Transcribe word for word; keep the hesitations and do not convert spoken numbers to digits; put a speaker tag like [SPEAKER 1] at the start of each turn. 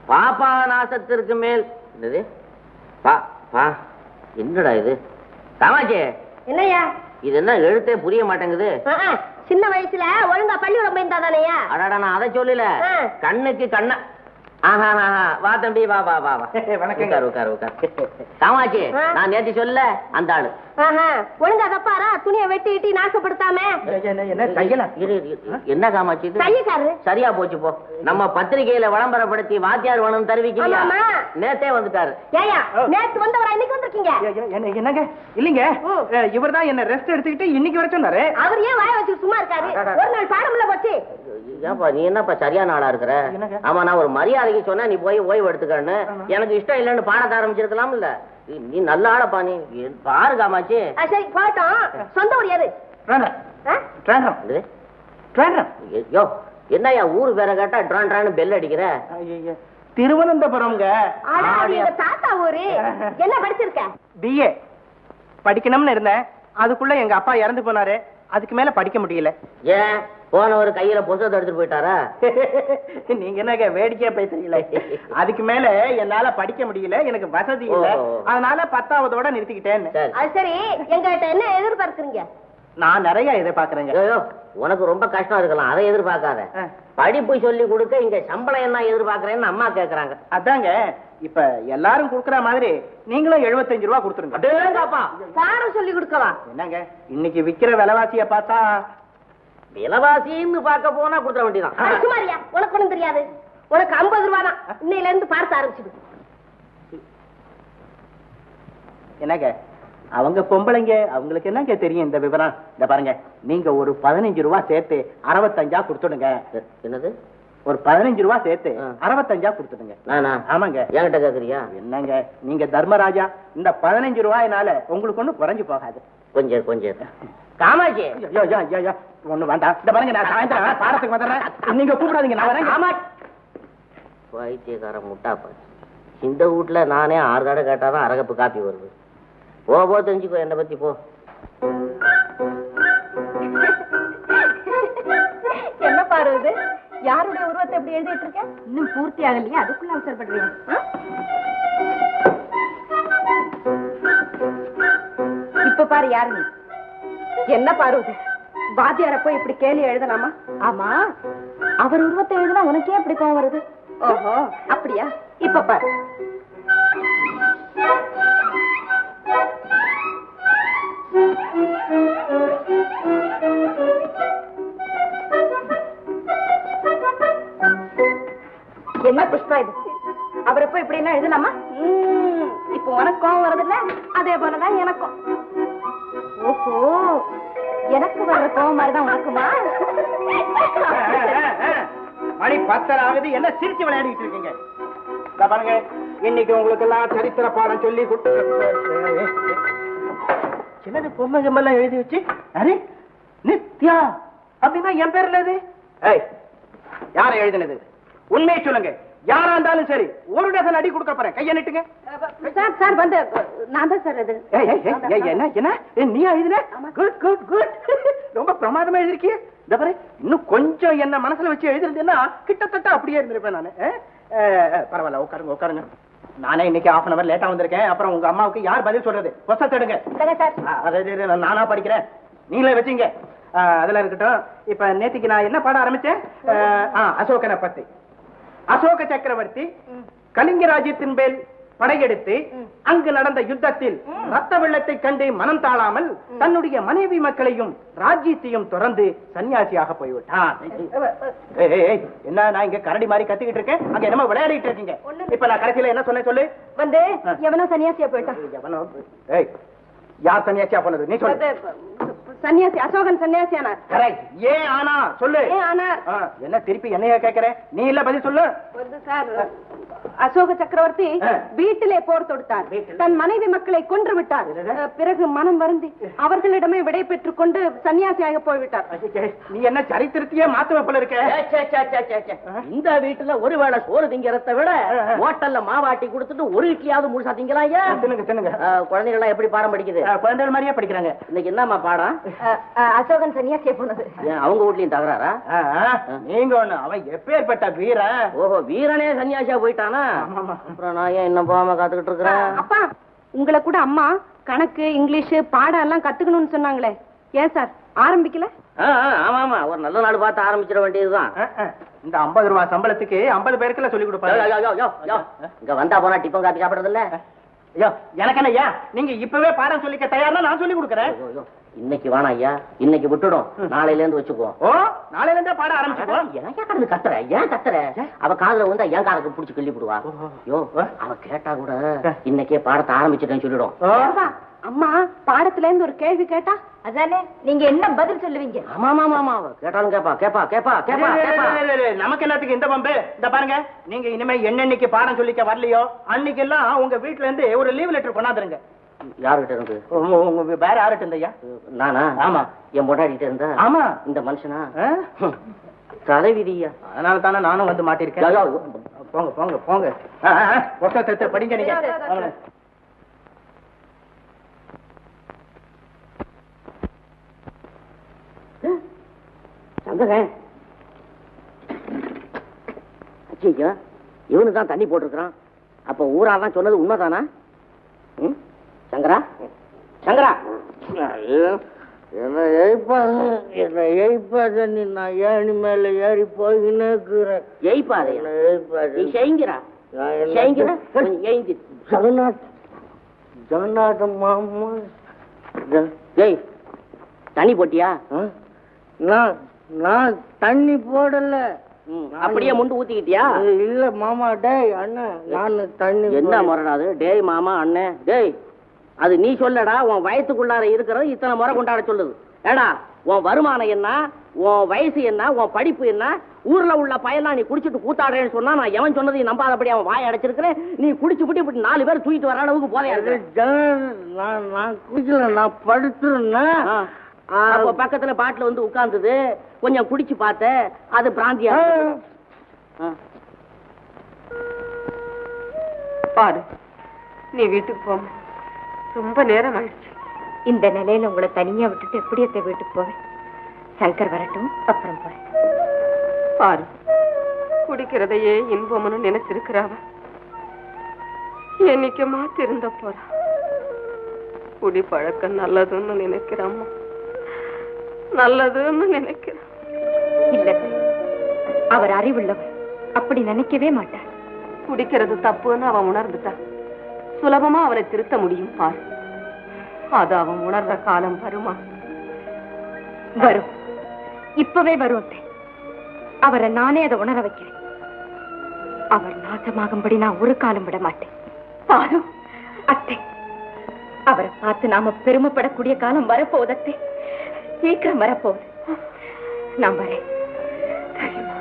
[SPEAKER 1] பாப்பா நாசத்திற்கு மேல் என்னது பா பா என்னடா இது காமாட்சி?
[SPEAKER 2] என்னையா
[SPEAKER 1] இது என்ன எழுத்தே புரிய மாட்டேங்குது.
[SPEAKER 2] சின்ன வயசுல ஒழுங்கா பள்ளிக்கூடம் போயிருந்தா தானேயா?
[SPEAKER 1] அடாடா நான் அதை சொல்லல, கண்ணுக்கு கண்ணா. ஆஹா வா தம்பி வா வா வா வா. வணக்கம். உட்கார் உட்கார் உட்கார். காமாட்சி நான் நேற்று சொல்ல அந்த ஆளு
[SPEAKER 2] ஒழுங்கா தப்பாரா துணியை வெட்டி இட்டி நாசப்படுத்தாம.
[SPEAKER 1] என்ன காமாட்சி சரியா போச்சு போ. நம்ம பத்திரிகையில விளம்பரப்படுத்தி வாத்தியார் வேணும் தருவிக்கலையா? நேத்தே வந்துட்டாரு.
[SPEAKER 2] நேத்து வந்தவரா இன்னைக்கு வந்திருக்கீங்க?
[SPEAKER 3] என்னங்க இல்லீங்க, இவர் தான் என்ன ரெஸ்ட் எடுத்துக்கிட்டு இன்னைக்கு வர சொன்னாரு.
[SPEAKER 2] அவர் ஏன் வாய வச்சு சும்மா இருக்காரு? ஒரு நாள் பாடம்ல போச்சு.
[SPEAKER 1] ஏன்பா நீ என்னப்பா சரியான ஆளா இருக்கிற? ஆமா நான் ஒரு மரியாதைக்கு சொன்னா நீ போய் ஓய்வு எடுத்துக்கன்னு. எனக்கு இஷ்டம் இல்லைன்னு பாடத்தை ஆரம்பிச்சிருக்கலாம் இல்ல. நீ நல்ல ஆளப்பா நீ. பாரு காமாட்சி.
[SPEAKER 2] சரி போட்டோம். சொந்த ஊர் யாரு?
[SPEAKER 1] யோ என்னையா ஊரு பேரை கேட்டா ட்ரான் ட்ரான்னு பெல் அடிக்கிற?
[SPEAKER 3] திருவனந்தபுரம்.
[SPEAKER 2] தாத்தா ஊரு. என்ன படிச்சிருக்க?
[SPEAKER 3] பிஏ படிக்கணும்னு இருந்தேன், அதுக்குள்ள எங்க அப்பா இறந்து போனாரு. அதுக்கு மேல படிக்க முடியல.
[SPEAKER 1] ஏன் போன ஒரு கையில புத்தகத்தை எடுத்துட்டு போயிட்டாரா?
[SPEAKER 3] நீங்க என்ன வேடிக்கையா பேசுறீங்களே. அதுக்கு மேல என்னால படிக்க முடியல, எனக்கு வசதி இல்ல, அதனால பத்தாவதோட நிறுத்திக்கிட்டேன்.
[SPEAKER 2] சரி எங்ககிட்ட என்ன எதிர்பார்க்கறீங்க?
[SPEAKER 3] நான் நிறைய எதிர்பார்க்கறேங்க.
[SPEAKER 1] உனக்கு ரொம்ப கஷ்டம் இருக்கலாம், அதை எதிர்பார்க்காத. படிப்பு சொல்லி கொடுக்க இங்க சம்பளம் என்ன எதிர்பார்க்கறேன்னு அம்மா கேக்குறாங்க.
[SPEAKER 3] அதாங்க இப்ப எல்லாரும் குடுக்கற மாதிரி நீங்களும் எழுபத்தஞ்சு ரூபா கொடுத்துருங்க.
[SPEAKER 2] பாடம் சொல்லி கொடுக்கவா?
[SPEAKER 3] என்னங்க இன்னைக்கு விக்கிற விலைவாசிய பார்த்தா
[SPEAKER 1] விலைவாசின்னு பார்க்க போனா கொடுத்துட வேண்டியதான்.
[SPEAKER 2] சுமாரியா உனக்கு ஒண்ணும் தெரியாது. உனக்கு ஐம்பது ரூபா தான் இன்னையில இருந்து பார்த்து ஆரம்பிச்சுது.
[SPEAKER 3] என்னங்க அவங்க பொம்பளைங்க, அவங்களுக்கு என்னங்க தெரியும் இந்த விவரம்? இந்த பாருங்க, நீங்க ஒரு பதினஞ்சு ரூபா சேர்த்து அறுபத்தஞ்சா கொடுத்துடுங்க.
[SPEAKER 1] என்னது?
[SPEAKER 3] ஒரு பதினஞ்சு ரூபா சேர்த்து அறுபத்தஞ்சா கொடுத்துடுங்க. ஆமாங்க.
[SPEAKER 1] என்கிட்ட கேக்குறியா?
[SPEAKER 3] என்னங்க நீங்க தர்மராஜா, இந்த பதினஞ்சு ரூபாயினால உங்களுக்கு ஒண்ணு குறைஞ்சு போகாது.
[SPEAKER 1] கொஞ்சம் கொஞ்சம் காமாட்சி
[SPEAKER 3] ஒண்ணு வேண்டாம். இந்த பாருங்க நான் சாயந்தரம் பாடத்துக்கு வந்துடுறேன், நீங்க கூப்பிடாதீங்க, நான் வரேன். காமாட்சி
[SPEAKER 1] வைத்தியக்கார முட்டாப்பா. இந்த வீட்டுல நானே ஆறு தடவை கேட்டாதான் அரகப்பு காப்பி வருது. போ போ தெரிஞ்சுக்கோ என்னை பத்தி போ.
[SPEAKER 2] என்ன பாரு இது? யாருடைய உருவத்தை எப்படி எழுதிட்டு இருக்க? இன்னும் பூர்த்தி ஆகலையா, அதுக்குள்ள அவசரப்படுறீங்க? இப்ப பாரு யாரு? என்ன பாரு இது? வாத்தியார போய் இப்படி கேள்வி எழுதலாமா? ஆமா, அவர் உருவத்தை எழுதினா உனக்கே எப்படி கோவம் வருது? ஓஹோ அப்படியா? இப்ப பாரு. என்ன புஷ்பா இது? அவரை போய் இப்படி எல்லாம் எழுதலாமா? இப்ப உனக்கு கோவம் வருதுல்ல, அதே போலதான் எனக்கும். ஓஹோ, எனக்கு வர்ற கோவம் மாதிரிதான் உனக்குமா?
[SPEAKER 3] மணி பத்தரை ஆகுது, என்ன சிரிச்சு விளையாடிட்டு இருக்கீங்க? பாருங்க, இன்னைக்கு உங்களுக்கு எல்லாம் சரித்திர பாடம் சொல்லி சின்னது பொம்மை கம்பெல்லாம் எழுதி வச்சு, அரே நித்யா அப்படின்னா என் பேர்ல இது யார எழுதினது? உண்மையை சொல்லுங்க. யாரா இருந்தாலும் சரி, ஒரு டசன் அடி கொடுக்க போறேன். கையை நிட்டுங்க.
[SPEAKER 2] சார் சார் வந்து நான் தான் சார். இது
[SPEAKER 3] என்ன என்ன நீ எழுதின? குட் குட் குட், ரொம்ப பிரமாதமா எழுதிருக்கிய. இந்த பாரு, இன்னும் கொஞ்சம் என்ன மனசுல வச்சு எழுதிருந்தேன்னா கிட்டத்தட்ட அப்படியே இருந்திருப்பேன் நானு. பரவாயில்ல, உட்காருங்க உட்காருங்க. நானே இன்னைக்கு ஹாஃப் அன் அவர் லேட்டா வந்திருக்கேன். அப்புறம் உங்க அம்மாவுக்கு யார் பதில் சொல்றது? கொசத்தெடுங்க. நானா படிக்கிறேன், நீங்களே வச்சீங்க. அதெல்லாம் இருக்கட்டும். இப்ப நேத்திக்கு நான் என்ன பாட ஆரம்பிச்சேன்? அசோகனை பத்தி. அசோக சக்கரவர்த்தி கலிங்க ராஜ்யத்தின் மேல் படையெடுத்து அங்கு நடந்த யுத்தத்தில் ரத்த வெள்ளத்தை கண்டு மனம் தாழாமல் தன்னுடைய மனைவி மக்களையும் ராஜ்யத்தையும் தொடர்ந்து சன்னியாசியாக போய்விட்டான். என்ன நான் இங்க கரடி மாதிரி கத்திக்கிட்டு இருக்கேன், அங்க என்னமோ விளையாடிட்டு இருக்கீங்க. இப்ப நான் கடைசியில என்ன சொன்னேன் சொல்லு?
[SPEAKER 2] வந்து எவனோ சன்னியாசியா போயிட்டான்.
[SPEAKER 3] எவனோ? யார் சன்னியாசியா போனது? நீ சொல்லு.
[SPEAKER 2] சன்னியாசி அசோகன் சன்னியாசியானார்.
[SPEAKER 3] கரெக்ட். ஏன் ஆனா சொல்லு.
[SPEAKER 2] ஏன் ஆனார்?
[SPEAKER 3] என்ன திருப்பி என்னைய கேக்குற? நீ இல்ல பதில் சொல்லு.
[SPEAKER 2] வந்து சார், அசோக சக்கரவர்த்தி வீட்டிலே போர் தொடுத்தார். தன் மனைவி மக்களை கொன்று விட்டார். பிறகு மனம் வருந்தி அவர்களிடமே விடை பெற்றுக் கொண்டு சன்னியாசியாக போய்விட்டார்.
[SPEAKER 3] நீ என்ன சரித்திரத்தையே மாத்துவ போல இருக்க?
[SPEAKER 1] இந்த வீட்டுல ஒருவேளை சோறு திங்கிறத விட ஹோட்டல்ல மாவாட்டி கொடுத்துட்டு ஒரு இட்லியாவது முழுசா திங்கலாம்.
[SPEAKER 3] தின்னுங்க தின்னுங்க.
[SPEAKER 1] குழந்தைகள் எல்லாம் எப்படி பாடம் படிக்குது?
[SPEAKER 3] குழந்தைகள் மாதிரியே படிக்கிறாங்க.
[SPEAKER 1] இன்னைக்கு என்னமா பாடம்?
[SPEAKER 2] அசோகன் சன்னியாசிய போனது.
[SPEAKER 1] ஏன் அவங்க வீட்லயும் தகராறா?
[SPEAKER 3] நீங்க ஒண்ணு அவன் எப்பேற்பட்ட வீரன்.
[SPEAKER 1] ஓஹோ, வீரனே சன்னியாசியா போயிட்டானா? அப்புறம் நான் ஏன் இன்னும் போகாம காத்துக்கிட்டு இருக்கிறேன்?
[SPEAKER 2] அப்பா, உங்களை கூட அம்மா கணக்கு இங்கிலீஷ் பாடம் எல்லாம் கத்துக்கணும்னு சொன்னாங்களே, ஏன் சார் ஆரம்பிக்கல?
[SPEAKER 1] ஆமா ஆமா, ஒரு நல்ல நாள் பார்த்து ஆரம்பிச்சிட வேண்டியதுதான்.
[SPEAKER 3] இந்த ஐம்பது ரூபாய் சம்பளத்துக்கு ஐம்பது பேருக்குள்ள சொல்லி கொடுப்பாங்க.
[SPEAKER 1] இங்க வந்தா போனா டிஃபன் காப்பி சாப்பிடுறது இல்ல.
[SPEAKER 3] ஐயோ, எனக்கு என்ன ஐயா, நீங்க இப்பவே பாடம் சொல்லிக்க தயார்னா நான் சொல்லி கொடுக்குறேன்.
[SPEAKER 1] இன்னைக்கு வேணாம் ஐயா, இன்னைக்கு விட்டுடும், நாளையில இருந்து வச்சுக்குவோம்.
[SPEAKER 3] ஓ, நாளையில இருந்தே பாடம் ஆரம்பிச்சுக்கோ.
[SPEAKER 1] ஏன் கடந்து கத்துற? ஏன் கத்துற? அவ காதுல வந்து என் காதுக்கு புடிச்சு கிள்ளி போடுவா. யோ, அவ கேட்டா கூட இன்னைக்கே பாடத்தை ஆரம்பிச்சுட்டேன்னு சொல்லிடும்.
[SPEAKER 2] அம்மா பாடத்துல இருந்து ஒரு கேள்வி கேட்டா அதானே நீங்க என்ன பதில் சொல்லுவீங்க?
[SPEAKER 1] ஆமா ஆமா ஆமா, கேட்டாலும் கேப்பா கேப்பா கேப்பா கேப்பா கேப்பா.
[SPEAKER 3] நமக்கு என்னத்துக்கு இந்த பம்பு? இந்த பாருங்க, நீங்க இனிமே என்னன்னைக்கு பாடம் சொல்லிக்க வரலையோ அன்னைக்கு எல்லாம் உங்க வீட்டுல இருந்து ஒரு லீவ் லெட்டர் கொண்டாந்துருங்க.
[SPEAKER 1] யாருகிட்ட இருந்து?
[SPEAKER 3] உங்க வேற யாருகிட்ட இருந்தையா?
[SPEAKER 1] நானா?
[SPEAKER 3] ஆமா.
[SPEAKER 1] என் பொண்டாடிட்டு இருந்தா?
[SPEAKER 3] ஆமா.
[SPEAKER 1] இந்த மனுஷனா? தலைவிதியா?
[SPEAKER 3] அதனால தானே நானும் வந்து மாட்டிருக்கேன். போங்க போங்க போங்க, புத்தகத்தை படிங்க நீங்க.
[SPEAKER 1] சங்கரன், ஐயா, இவனு தான் தண்ணி போட்டிருக்கிறான். அப்ப ஊராதான் சொன்னது உண்மைதானா? சங்கரா, சங்கரா, என்ன எய்ப்பாது, என்ன எய்ப்பாத நீ, நான் ஏணி மேல ஏறி போயின்னு இருக்கிறேன். எய்ப்பாது நீ செய்கிறா செய்கிற எய்தி ஜெகநாத் ஜெகநாத மாமா. ஏய், தண்ணி போட்டியா? நான் நான் தண்ணி போடல. அப்படியே முண்டு ஊத்திக்கிட்டியா? இல்ல மாமா. டேய் அண்ணன், நான் தண்ணி. என்ன முறைடாது? டேய் மாமா அண்ணன், டேய் அது நீ சொல்லடா. உன் வயசுக்குள்ளார இருக்கிறது இத்தனை முறை கொண்டாட சொல்லுது. ஏடா, உன் வருமானம் என்ன, உன் வயசு என்ன, உன் படிப்பு என்ன, ஊர்ல உள்ள பயலாம் நீ குடிச்சிட்டு கூத்தாடுறேன்னு சொன்னா நான் எவன் சொன்னதையும் நம்பாதபடி அவன் வாய் அடைச்சிருக்கிறேன். நீ குடிச்சு விட்டு இப்படி நாலு பேர் தூக்கிட்டு வர அளவுக்கு போதையா? நான் நான் குடிக்கல, நான் படுத்துருந்தேன். அப்ப பக்கத்துல பாட்டில் வந்து உட்கார்ந்தது, கொஞ்சம் குடிச்சு பார்த்த, அது பிராந்தியா.
[SPEAKER 2] பாரு, நீ வீட்டுக்கு போ, ரொம்ப நேரம் ஆயிடுச்சு. இந்த நிலையில உங்களை தனியா விட்டுட்டு எப்படி எத்த வீட்டுக்கு போவேன்? சங்கர் வரட்டும், அப்புறம் போறேன். பாரு, குடிக்கிறதையே இன்பம்னு நினைச்சிருக்கிறாவ என்னைக்கு மாத்தி இருந்த போறா. குடி பழக்கம் நல்லதுன்னு நினைக்கிறாம்மா, நல்லதுன்னு நினைக்கிறேன். இல்ல, அவர் அறிவுள்ளவர், அப்படி நினைக்கவே மாட்டார். குடிக்கிறது தப்புன்னு அவன் உணர்ந்துட்டா சுலபமா அவனை திருத்த முடியும். பாரு, அது அவன் உணர்ற காலம் வருமா? வரும், இப்பவே வரும். அவரை நானே அதை உணர வைக்கிறேன். அவர் நாசமாகும்படி நான் ஒரு காலம் விட மாட்டேன். பாரு அத்தை, அவரை பார்த்து நாம பெருமைப்படக்கூடிய காலம் வரப்போகுது அத்தை, சீக்கிரம் வரப்போகுது. நான் வரேன்.